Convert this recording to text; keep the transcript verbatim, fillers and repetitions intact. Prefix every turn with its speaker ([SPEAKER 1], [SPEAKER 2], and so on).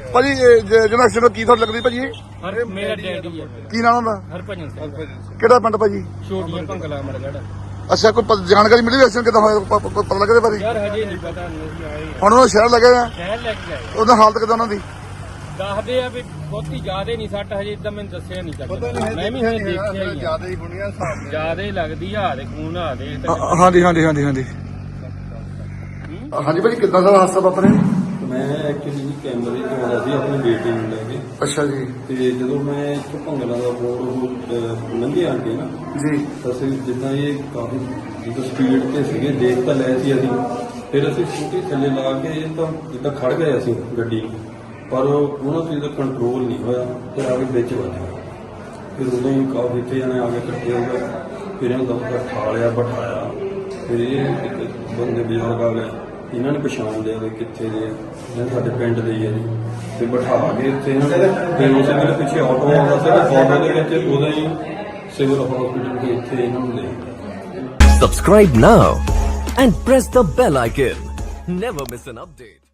[SPEAKER 1] ਭਾਜੀ ਜਿਹੜਾ ਐਕਸੀਡੈਂਟ ਕੀ ਤੁਹਾਨੂੰ ਲੱਗਦੀ ਭਾਜੀ?
[SPEAKER 2] ਹਰ ਮੇਰਾ ਡੈਡੀ ਹੈ।
[SPEAKER 1] ਕੀ ਨਾਮ ਹੁੰਦਾ?
[SPEAKER 2] ਹਰਭਜਨ ਸਿੰਘ।
[SPEAKER 1] ਕਿਹੜਾ ਪਿੰਡ ਭਾਜੀ?
[SPEAKER 2] ਛੋਟੀਆਂ ਭੰਗਲਾ ਮਰਗੜ।
[SPEAKER 1] ਅੱਛਾ, ਕੋਈ ਪ- ਜਾਣਕਾਰੀ ਮਿਲੀ ਐਕਸੀਡੈਂਟ ਕਿੱਦਾਂ ਹੋਇਆ? ਪ- ਪ- ਪਤਾ ਲੱਗਦੇ ਭਾਜੀ?
[SPEAKER 2] ਯਾਰ ਹਜੇ ਨਹੀਂ ਪਤਾ, ਨਹੀਂ ਆਏ
[SPEAKER 1] ਹੁਣ ਉਹ ਸ਼ਹਿਰ ਲੱਗੇ ਆ,
[SPEAKER 2] ਸ਼ਹਿਰ ਲੈ ਕੇ ਆਏ।
[SPEAKER 1] ਉਹਦਾ ਹਾਲਤ ਕਿੱਦਾਂ ਉਹਨਾਂ ਦੀ?
[SPEAKER 2] ਦੱਸਦੇ ਆ ਵੀ ਬਹੁਤੀ ਜ਼ਿਆਦਾ ਨਹੀਂ ਸੱਟ, ਹਜੇ ਇਦਾਂ ਮੈਨੂੰ ਦੱਸਿਆ ਨਹੀਂ ਚੱਲਦਾ। ਮੈਂ ਵੀ ਹਜੇ ਦੇਖਿਆ ਹੀ ਆ।
[SPEAKER 3] ਜ਼ਿਆਦਾ ਹੀ ਹੋਣੀਆਂ ਹਿਸਾਬ
[SPEAKER 2] ਜ਼ਿਆਦਾ ਹੀ ਲੱਗਦੀ ਆ, ਦੇ ਖੂਨ ਆ ਦੇ।
[SPEAKER 1] ਹਾਂ- ਹਾਂਜੀ ਹਾਂਜੀ ਹਾਂਜੀ ਹਾਂਜੀ ਹਾਂਜੀ ਭਾਜੀ, ਕਿੱਦਾਂ ਦਾ ਹਾਦਸਾ ਵਾਪਰਿਆ?
[SPEAKER 4] ਮੈਂ ਐਕਚੁਅਲੀ ਜੀ ਕੈਮਰੇ ਤੋਂ ਆਇਆ ਸੀ ਆਪਣੀ ਬੇਟੀ ਨੂੰ ਲੈ ਕੇ।
[SPEAKER 1] ਅੱਛਾ ਜੀ
[SPEAKER 4] ਤੇ ਜਦੋਂ ਮੈਂ ਇੱਥੋਂ ਭੰਗਲਾ ਦਾ ਬੋਰਡ ਲੰਘੇ ਅੱਗੇ ਨਾ,
[SPEAKER 1] ਜੀ
[SPEAKER 4] ਤਾਂ ਅਸੀਂ ਜਿੱਦਾਂ ਇਹ ਕਾਫੀ ਜਿੱਦਾਂ ਸਪੀਡ ਤੇ ਸੀਗੇ, ਦੇਖ ਤਾਂ ਲਏ ਸੀ ਅਸੀਂ। ਫਿਰ ਅਸੀਂ ਸਕੂਟੀ ਥੱਲੇ ਲਾ ਕੇ ਇਹ ਤਾਂ ਜਿੱਦਾਂ ਖੜ ਗਏ ਅਸੀਂ ਗੱਡੀ, ਪਰ ਉਹਨਾਂ ਤੋਂ ਇਹਦਾ ਕੰਟਰੋਲ ਨਹੀਂ ਹੋਇਆ, ਫਿਰ ਆ ਕੇ ਵਿੱਚ ਵੱਜ ਗਿਆ। ਫਿਰ ਉਦੋਂ ਹੀ ਕਾਫੀ ਇੱਥੇ ਜਾਣੇ ਆ ਕੇ ਇਕੱਠੇ ਹੋ ਗਏ। ਫਿਰ ਇਹਨੂੰ ਦਮ ਠਾ ਲਿਆ, ਬਿਠਾਇਆ। ਫਿਰ ਇਹ ਇੱਕ ਬੰਦੇ ਬਜ਼ੁਰਗ ਆ ਗਏ, ਇਹਨਾਂ ਨੇ ਪਛਾਣ ਲਿਆ ਵੀ ਕਿੱਥੇ ਦੇ ਆ, ਇਹ ਸਾਡੇ ਪਿੰਡ ਦੇ ਹੀ ਆ ਜੀ। ਤੇ ਬਿਠਾ ਕੇ ਇੱਥੇ ਇਹਨਾਂ ਨੇ, ਫਿਰ ਉਸੇ ਵੇਲੇ ਪਿੱਛੇ ਆਟੋ ਆਉਂਦਾ ਸੀਗਾ, ਆਟੋ ਦੇ ਵਿੱਚ ਉਦੋਂ ਹੀ ਸਿਵਲ ਹਸਪੀਟਲ ਦੇ ਇੱਥੇ ਇਹਨਾਂ ਨੂੰ ਲੈ ਗਏ।
[SPEAKER 5] Subscribe now and press the bell icon. Never miss an update.